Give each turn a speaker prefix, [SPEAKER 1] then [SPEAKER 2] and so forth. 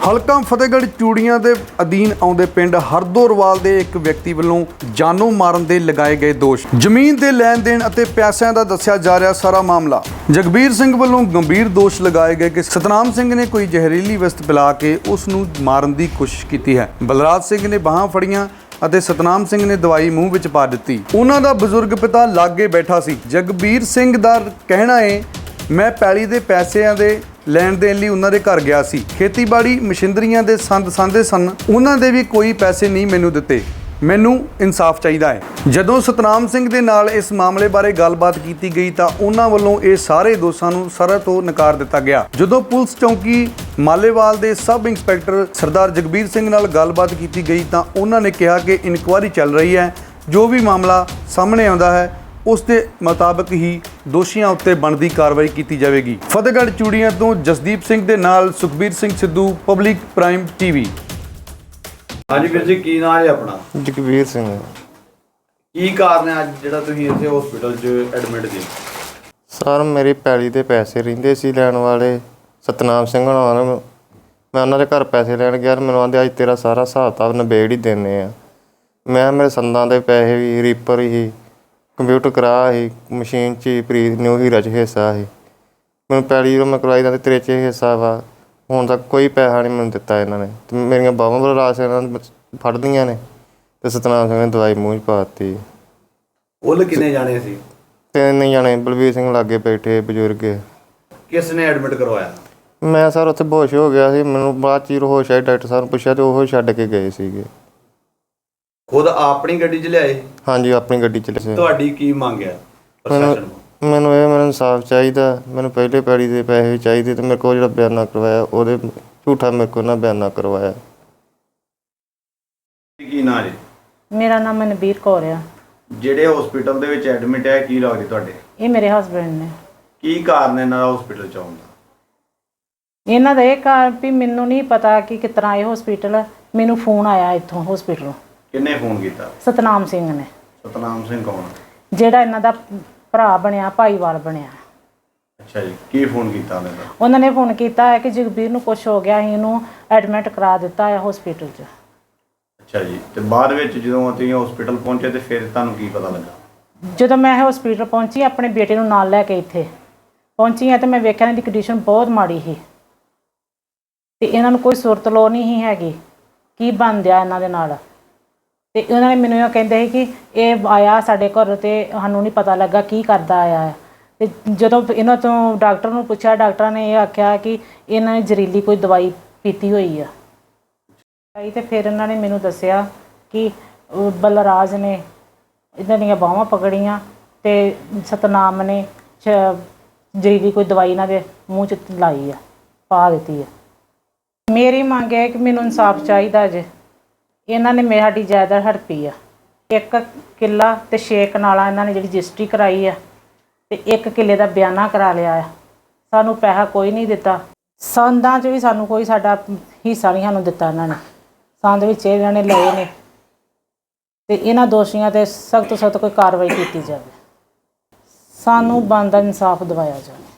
[SPEAKER 1] ਹਲਕਾ ਫਤਿਹਗੜ੍ਹ ਚੂੜੀਆਂ ਦੇ ਅਧੀਨ ਆਉਂਦੇ ਪਿੰਡ ਹਰਦੋਰਵਾਲ ਦੇ ਇੱਕ ਵਿਅਕਤੀ ਵੱਲੋਂ ਜਾਨੋਂ ਮਾਰਨ ਦੇ ਲਗਾਏ ਗਏ ਦੋਸ਼। ਜ਼ਮੀਨ ਦੇ ਲੈਣ ਦੇਣ ਅਤੇ ਪੈਸਿਆਂ ਦਾ ਦੱਸਿਆ ਜਾ ਰਿਹਾ ਸਾਰਾ ਮਾਮਲਾ। ਜਗਬੀਰ ਸਿੰਘ ਵੱਲੋਂ ਗੰਭੀਰ ਦੋਸ਼ ਲਗਾਏ ਗਏ ਕਿ ਸਤਨਾਮ ਸਿੰਘ ਨੇ ਕੋਈ ਜ਼ਹਿਰੀਲੀ ਵਸਤ ਪਿਲਾ ਕੇ ਉਸ ਨੂੰ ਮਾਰਨ ਦੀ ਕੋਸ਼ਿਸ਼ ਕੀਤੀ ਹੈ। ਬਲਰਾਜ ਸਿੰਘ ਨੇ ਬਾਹਾਂ ਫੜੀਆਂ ਅਤੇ ਸਤਨਾਮ ਸਿੰਘ ਨੇ ਦਵਾਈ ਮੂੰਹ ਵਿੱਚ ਪਾ ਦਿੱਤੀ। ਉਹਨਾਂ ਦਾ ਬਜ਼ੁਰਗ ਪਿਤਾ ਲਾਗੇ ਬੈਠਾ ਸੀ। ਜਗਬੀਰ ਸਿੰਘ ਦਾ ਕਹਿਣਾ ਹੈ, ਮੈਂ ਪੈਲੀ ਦੇ ਪੈਸਿਆਂ ਦੇ ਲੈਣ ਦੇਣ ਲਈ ਉਹਨਾਂ ਦੇ ਘਰ ਗਿਆ ਸੀ। ਖੇਤੀਬਾੜੀ ਮਸ਼ੀਨਰੀਆਂ ਦੇ ਸੰਦ ਸਾਂਦੇ ਸਨ, ਉਹਨਾਂ ਦੇ ਵੀ ਕੋਈ ਪੈਸੇ ਨਹੀਂ ਮੈਨੂੰ ਦਿੱਤੇ। ਮੈਨੂੰ ਇਨਸਾਫ ਚਾਹੀਦਾ ਹੈ। ਜਦੋਂ ਸਤਨਾਮ ਸਿੰਘ ਦੇ ਨਾਲ ਇਸ ਮਾਮਲੇ ਬਾਰੇ ਗੱਲਬਾਤ ਕੀਤੀ ਗਈ ਤਾਂ ਉਹਨਾਂ ਵੱਲੋਂ ਇਹ ਸਾਰੇ ਦੋਸ਼ਾਂ ਨੂੰ ਸਰਹ ਤੋਂ ਨਕਾਰ ਦਿੱਤਾ ਗਿਆ। ਜਦੋਂ ਪੁਲਿਸ ਚੌਂਕੀ ਮਾਲੇਵਾਲ ਦੇ ਸਬ ਇੰਸਪੈਕਟਰ ਸਰਦਾਰ ਜਗਬੀਰ ਸਿੰਘ ਨਾਲ ਗੱਲਬਾਤ ਕੀਤੀ ਗਈ ਤਾਂ ਉਹਨਾਂ ਨੇ ਕਿਹਾ ਕਿ ਇਨਕੁਆਇਰੀ ਚੱਲ ਰਹੀ ਹੈ, ਜੋ ਵੀ ਮਾਮਲਾ ਸਾਹਮਣੇ ਆਉਂਦਾ ਹੈ ਉਸ ਦੇ ਮੁਤਾਬਕ ਹੀ ਦੋਸ਼ੀਆਂ ਉੱਤੇ ਬਣਦੀ ਕਾਰਵਾਈ ਕੀਤੀ ਜਾਵੇਗੀ। ਫਤਿਹਗੜ੍ਹ ਚੂੜੀਆਂ ਤੋਂ ਜਸਦੀਪ ਸਿੰਘ ਦੇ ਨਾਲ Sukhbir Singh Sidhu, public prime TV.
[SPEAKER 2] ਹਾਂਜੀ ਵੀਰ ਜੀ, ਕੀ ਨਾਮ ਹੈ ਆਪਣਾ?
[SPEAKER 3] ਜਗਬੀਰ ਸਿੰਘ।
[SPEAKER 2] ਕੀ ਕਾਰਨ ਹੈ ਅੱਜ ਜਿਹੜਾ ਤੁਸੀਂ ਇੱਥੇ ਹਸਪੀਟਲ 'ਚ ਐਡਮਿਟ ਜੀ?
[SPEAKER 3] ਸਰ, ਮੇਰੀ ਪੈਲੀ ਦੇ ਪੈਸੇ ਰਹਿੰਦੇ ਸੀ ਲੈਣ ਵਾਲੇ ਸਤਨਾਮ ਸਿੰਘ ਹੋਣਾ ਨੂੰ। ਮੈਂ ਉਹਨਾਂ ਦੇ ਘਰ ਪੈਸੇ ਲੈਣ ਗਿਆ, ਮੈਨੂੰ ਆਂਦੇ ਅੱਜ ਤੇਰਾ ਸਾਰਾ ਹਿਸਾਬ ਕਿਤਾਬ ਨਿਬੇੜ ਹੀ ਦਿੰਦੇ ਆ। ਮੈਂ ਮੇਰੇ ਸੰਦਾਂ ਦੇ ਪੈਸੇ ਵੀ, ਰੀਪਰ ਹੀ, ਕੰਪਿਊਟਰ ਕਰਾ ਸੀ, ਮਸ਼ੀਨ 'ਚ ਪ੍ਰੀਤ ਨਿਊ ਹੀਰਾ 'ਚ ਹਿੱਸਾ ਸੀ। ਮੈਨੂੰ ਪੈਲੀ ਜਦੋਂ ਮੈਂ ਕਰਵਾਈ ਦਾ ਤੇਰੇ 'ਚ ਹਿੱਸਾ ਵਾ। ਹੁਣ ਤੱਕ ਕੋਈ ਪੈਸਾ ਨਹੀਂ ਮੈਨੂੰ ਦਿੱਤਾ ਇਹਨਾਂ ਨੇ। ਅਤੇ ਮੇਰੀਆਂ ਬਾਹਾਂ ਬਲਰਾਜ ਇਹਨਾਂ ਨੇ ਫੜਦੀਆਂ ਨੇ ਅਤੇ ਸਤਨਾਮ ਸਿੰਘ ਨੇ ਦਵਾਈ ਮੂੰਹ 'ਚ ਪਾ ਦਿੱਤੀ।
[SPEAKER 2] ਕੁੱਲ ਕਿੰਨੇ ਜਾਣੇ ਸੀ?
[SPEAKER 3] 3 ਜਾਣੇ। ਬਲਵੀਰ ਸਿੰਘ ਲਾਗੇ ਬੈਠੇ ਬਜ਼ੁਰਗ।
[SPEAKER 2] ਕਿਸ ਨੇ ਐਡਮਿਟ ਕਰਵਾਇਆ?
[SPEAKER 3] ਮੈਂ ਸਰ ਉੱਥੇ ਬੇਹੋਸ਼ ਹੋ ਗਿਆ ਸੀ। ਮੈਨੂੰ ਬਾਅਦ 'ਚ ਹੋਸ਼ ਆਈ, ਡਾਕਟਰ ਸਾਹਿਬ ਨੂੰ ਪੁੱਛਿਆ ਅਤੇ ਉਹ ਛੱਡ ਕੇ ਗਏ ਸੀਗੇ।
[SPEAKER 2] ਖੁਦ ਆਪਣੀ ਗੱਡੀ 'ਚ ਲਿਆਏ?
[SPEAKER 3] ਹਾਂਜੀ, ਆਪਣੀ ਗੱਡੀ 'ਚ ਲਿਆਏ।
[SPEAKER 2] ਤੁਹਾਡੀ ਕੀ ਮੰਗ ਹੈ ਪ੍ਰਸ਼ਾਸਨ ਨੂੰ?
[SPEAKER 3] ਮੈਨੂੰ ਇਨਸਾਫ ਚਾਹੀਦਾ। ਮੈਨੂੰ ਪਹਿਲੇ ਪੈੜੀ ਦੇ ਪੈਸੇ ਚਾਹੀਦੇ ਅਤੇ ਮੇਰੇ ਕੋਲ ਜਿਹੜਾ ਬਿਆਨਾ ਕਰਵਾਇਆ ਉਹਦੇ ਝੂਠਾ ਮੇਰੇ ਕੋਲ ਨਾ ਬਿਆਨਾ ਕਰਵਾਇਆ।
[SPEAKER 2] ਕੀ ਨਾਂ ਜੀ?
[SPEAKER 4] ਮੇਰਾ ਨਾਮ ਮਨਬੀਰ ਕੌਰ ਆ।
[SPEAKER 2] ਜਿਹੜੇ ਹਸਪੀਟਲ ਦੇ ਵਿੱਚ ਐਡਮਿਟ ਹੈ, ਕੀ ਲੱਗਦੇ ਤੁਹਾਡੇ?
[SPEAKER 4] ਇਹ ਮੇਰੇ ਹਸਬੈਂਡ ਨੇ।
[SPEAKER 2] ਕੀ ਕਾਰਨ ਇਹਨਾਂ ਦਾ ਹਸਪੀਟਲ 'ਚ ਆਉਣ ਦਾ?
[SPEAKER 4] ਇਹਨਾਂ ਦਾ ਇਹ ਕਾਰਨ ਵੀ ਮੈਨੂੰ ਨਹੀਂ ਪਤਾ ਕਿ ਕਿਸ ਤਰ੍ਹਾਂ ਇਹ ਹਸਪੀਟਲ, ਮੈਨੂੰ ਫੋਨ ਆਇਆ ਇੱਥੋਂ ਹਸਪੀਟਲੋਂ।
[SPEAKER 2] ਕਿੰਨੇ ਫੋਨ ਕੀਤਾ?
[SPEAKER 4] ਸਤਨਾਮ ਸਿੰਘ ਨੇ।
[SPEAKER 2] ਸਤਨਾਮ ਸਿੰਘ ਕੌਣ?
[SPEAKER 4] ਜਿਹੜਾ ਇਹਨਾਂ ਦਾ ਭਰਾ ਬਣਿਆ, ਭਾਈਵਾਲ ਬਣਿਆ।
[SPEAKER 2] ਅੱਛਾ ਜੀ, ਕੀ ਫੋਨ ਕੀਤਾ ਉਹਨੇ?
[SPEAKER 4] ਉਹਨਾਂ ਨੇ ਫੋਨ ਕੀਤਾ ਹੈ ਕਿ ਜਗਬੀਰ ਨੂੰ ਕੁਛ ਹੋ ਗਿਆ, ਅਸੀਂ ਇਹਨੂੰ ਐਡਮਿਟ ਕਰਾ ਦਿੱਤਾ ਹੈ ਹਸਪੀਟਲ 'ਚ।
[SPEAKER 2] ਅੱਛਾ ਜੀ, ਤੇ ਬਾਅਦ ਵਿੱਚ ਜਦੋਂ ਤੁਸੀਂ ਹਸਪੀਟਲ ਪਹੁੰਚੇ ਤੇ ਫਿਰ ਤੁਹਾਨੂੰ ਕੀ ਪਤਾ ਲੱਗਾ?
[SPEAKER 4] ਜਦੋਂ ਮੈਂ ਹਸਪੀਟਲ ਪਹੁੰਚੀ, ਆਪਣੇ ਬੇਟੇ ਨੂੰ ਨਾਲ ਲੈ ਕੇ ਇੱਥੇ ਪਹੁੰਚੀ ਹਾਂ ਤੇ ਮੈਂ ਵੇਖਿਆ ਇਹਨਾਂ ਦੀ ਕੰਡੀਸ਼ਨ ਬਹੁਤ ਮਾੜੀ ਸੀ ਅਤੇ ਇਹਨਾਂ ਨੂੰ ਕੋਈ ਸੁਰਤ ਲੋ ਨਹੀਂ ਸੀ ਹੈਗੀ ਕੀ ਬਣ ਦਿਆ ਇਹਨਾਂ ਦੇ ਨਾਲ। ਅਤੇ ਉਹਨਾਂ ਨੇ ਮੈਨੂੰ ਇਹ ਕਹਿੰਦੇ ਸੀ ਕਿ ਇਹ ਆਇਆ ਸਾਡੇ ਘਰ ਅਤੇ ਸਾਨੂੰ ਨਹੀਂ ਪਤਾ ਲੱਗਾ ਕੀ ਕਰਦਾ ਆਇਆ ਹੈ। ਅਤੇ ਜਦੋਂ ਇਹਨਾਂ ਤੋਂ ਡਾਕਟਰ ਨੂੰ ਪੁੱਛਿਆ, ਡਾਕਟਰਾਂ ਨੇ ਇਹ ਆਖਿਆ ਕਿ ਇਹਨਾਂ ਨੇ ਜ਼ਹਿਰੀਲੀ ਕੋਈ ਦਵਾਈ ਪੀਤੀ ਹੋਈ ਆ। ਅਤੇ ਫਿਰ ਇਹਨਾਂ ਨੇ ਮੈਨੂੰ ਦੱਸਿਆ ਕਿ ਬਲਰਾਜ ਨੇ ਇਹਨਾਂ ਦੀਆਂ ਬਾਹਾਂ ਪਕੜੀਆਂ ਅਤੇ ਸਤਨਾਮ ਨੇ ਜ਼ਹਿਰੀਲੀ ਕੋਈ ਦਵਾਈ ਇਹਨਾਂ ਦੇ ਮੂੰਹ 'ਚ ਲਾਈ ਆ, ਪਾ ਦਿੱਤੀ ਆ। ਮੇਰੀ ਮੰਗ ਹੈ ਕਿ ਮੈਨੂੰ ਇਨਸਾਫ ਚਾਹੀਦਾ ਜੇ। ਇਹਨਾਂ ਨੇ ਸਾਡੀ ਜਾਇਦਾਦ ਹੜਪੀ ਆ। 1 ਕਿੱਲਾ ਅਤੇ 6 ਕਨਾਲਾਂ ਇਹਨਾਂ ਨੇ ਜਿਹੜੀ ਰਜਿਸਟਰੀ ਕਰਾਈ ਆ ਅਤੇ 1 ਕਿੱਲੇ ਦਾ ਬਿਆਨਾ ਕਰਾ ਲਿਆ ਆ। ਸਾਨੂੰ ਪੈਸਾ ਕੋਈ ਨਹੀਂ ਦਿੱਤਾ। ਸੰਦਾਂ 'ਚ ਵੀ ਸਾਨੂੰ ਕੋਈ ਸਾਡਾ ਹਿੱਸਾ ਨਹੀਂ ਸਾਨੂੰ ਦਿੱਤਾ ਇਹਨਾਂ ਨੇ। ਸੰਦ ਵਿੱਚ ਇਹਨਾਂ ਨੇ ਲਏ ਨੇ ਅਤੇ ਇਹਨਾਂ ਦੋਸ਼ੀਆਂ 'ਤੇ ਸਖਤ ਤੋਂ ਸਖਤ ਕੋਈ ਕਾਰਵਾਈ ਕੀਤੀ ਜਾਵੇ। ਸਾਨੂੰ ਬਣਦਾ ਇਨਸਾਫ ਦਿਵਾਇਆ ਜਾਵੇ।